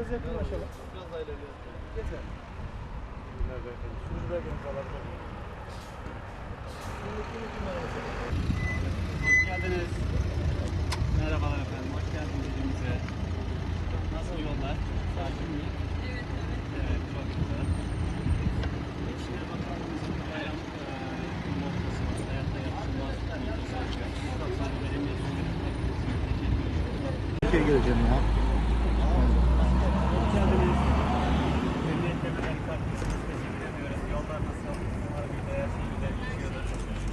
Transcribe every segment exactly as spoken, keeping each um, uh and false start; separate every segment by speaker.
Speaker 1: biraz yakınlaşalım. Biraz daha ilerleyelim. Yeter. Sürücüler beni alabilir.
Speaker 2: Hoş geldiniz. Merhabalar efendim, hoş geldiniz ilimize. Nasıl yollar? Sakin mi?
Speaker 3: Evet, evet.
Speaker 2: Evet, çok güzel. İçişleri Bakanlığımızın bayram noktası, hayatta yapılmaz noktası açıyor. Sokaklar verimli
Speaker 1: Türkiye'ye geleceğim ya.
Speaker 2: Hoş geldiniz. Emniyet Kemerleri Partisi'niz. Teşekkür ediyoruz. Yollar nasıl? Umarım bir her şey güzel geçiyordur.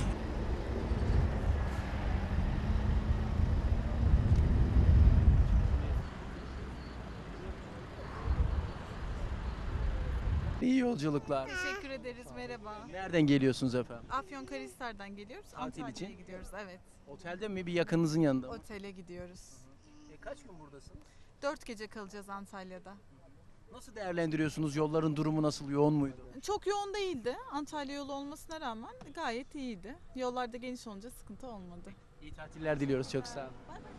Speaker 2: İyi yolculuklar.
Speaker 3: Teşekkür ederiz, merhaba.
Speaker 2: Nereden geliyorsunuz efendim?
Speaker 3: Afyonkarahisar'dan geliyoruz.
Speaker 2: Tatil
Speaker 3: Antalya'ya
Speaker 2: için?
Speaker 3: gidiyoruz, evet.
Speaker 2: Otelde mi, bir yakınınızın yanında mı?
Speaker 3: Otele gidiyoruz.
Speaker 2: E, kaç gün buradasınız?
Speaker 3: Dört gece kalacağız Antalya'da.
Speaker 2: Nasıl değerlendiriyorsunuz? Yolların durumu nasıl? Yoğun muydu?
Speaker 3: Çok yoğun değildi. Antalya yolu olmasına rağmen gayet iyiydi. Yollarda geniş olunca sıkıntı olmadı.
Speaker 2: İyi tatiller diliyoruz. Çok sağ olun.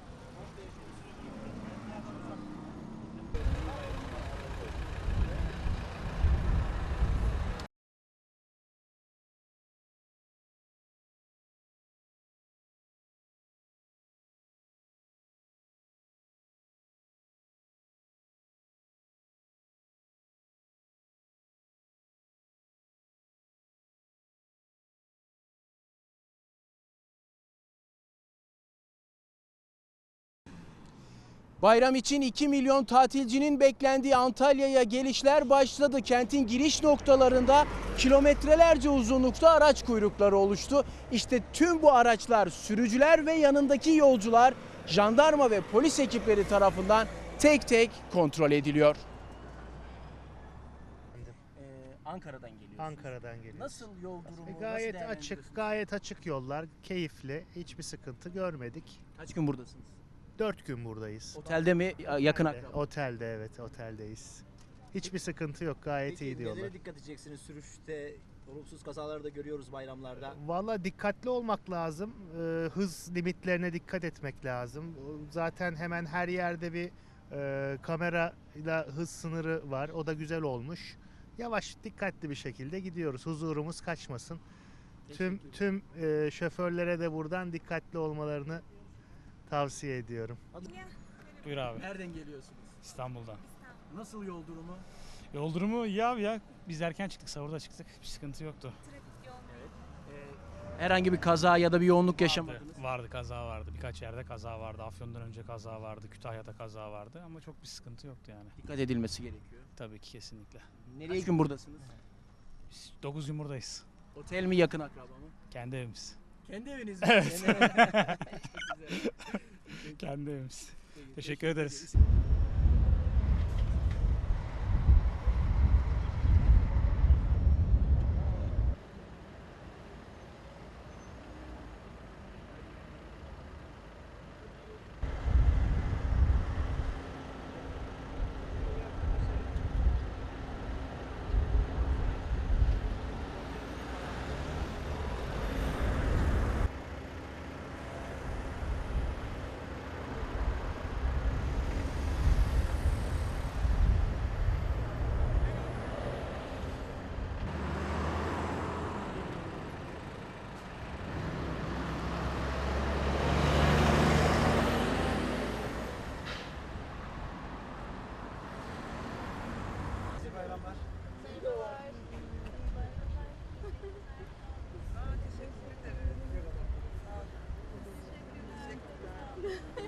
Speaker 2: Bayram için iki milyon tatilcinin beklendiği Antalya'ya gelişler başladı. Kentin giriş noktalarında kilometrelerce uzunlukta araç kuyrukları oluştu. İşte tüm bu araçlar, sürücüler ve yanındaki yolcular jandarma ve polis ekipleri tarafından tek tek kontrol ediliyor. Ee, Ankara'dan geliyorsunuz.
Speaker 4: Ankara'dan geliyoruz.
Speaker 2: Nasıl yol durumu?
Speaker 4: E,
Speaker 2: nasıl
Speaker 4: gayet
Speaker 2: değerlendiriyorsunuz?
Speaker 4: açık, gayet açık yollar, keyifli, hiçbir sıkıntı görmedik.
Speaker 2: Kaç gün buradasınız?
Speaker 4: Dört gün buradayız.
Speaker 2: Otelde mi? Yakın
Speaker 4: Otelde,
Speaker 2: akraba.
Speaker 4: Otelde, evet, oteldeyiz. Hiçbir sıkıntı yok, gayet
Speaker 5: Peki,
Speaker 4: iyi diyorlar.
Speaker 5: nelere dikkat edeceksiniz sürüşte? Olumsuz kazaları da görüyoruz bayramlarda.
Speaker 4: Valla dikkatli olmak lazım, e, hız limitlerine dikkat etmek lazım. O, zaten hemen her yerde bir e, kamerayla hız sınırı var, o da güzel olmuş. Yavaş, dikkatli bir şekilde gidiyoruz, huzurumuz kaçmasın. Tüm tüm e, şoförlere de buradan dikkatli olmalarını tavsiye ediyorum.
Speaker 6: Buyur abi.
Speaker 2: Nereden geliyorsunuz?
Speaker 6: İstanbul'dan.
Speaker 2: Nasıl yol durumu?
Speaker 6: Yol durumu iyi abi ya. Biz erken çıktık, sahurda çıktık. Bir sıkıntı yoktu.
Speaker 2: Ee, herhangi bir kaza ya da bir yoğunluk yaşamadınız.
Speaker 6: Vardı, vardı, kaza vardı. Birkaç yerde kaza vardı. Afyon'dan önce kaza vardı. Kütahya'da kaza vardı. Ama çok bir sıkıntı yoktu yani.
Speaker 2: Dikkat edilmesi gerekiyor.
Speaker 6: Tabii ki kesinlikle.
Speaker 2: Nereye gün buradasınız?
Speaker 6: Biz dokuz gün buradayız.
Speaker 2: Otel mi, yakın akraba mı?
Speaker 6: Kendi evimiz.
Speaker 2: Kendi eviniz mi?
Speaker 6: Evet.
Speaker 2: Çok güzel.
Speaker 6: Kendi evimiz.
Speaker 2: Peki,
Speaker 6: Teşekkür ederiz.
Speaker 2: ederiz.
Speaker 3: Teşekkür ederim.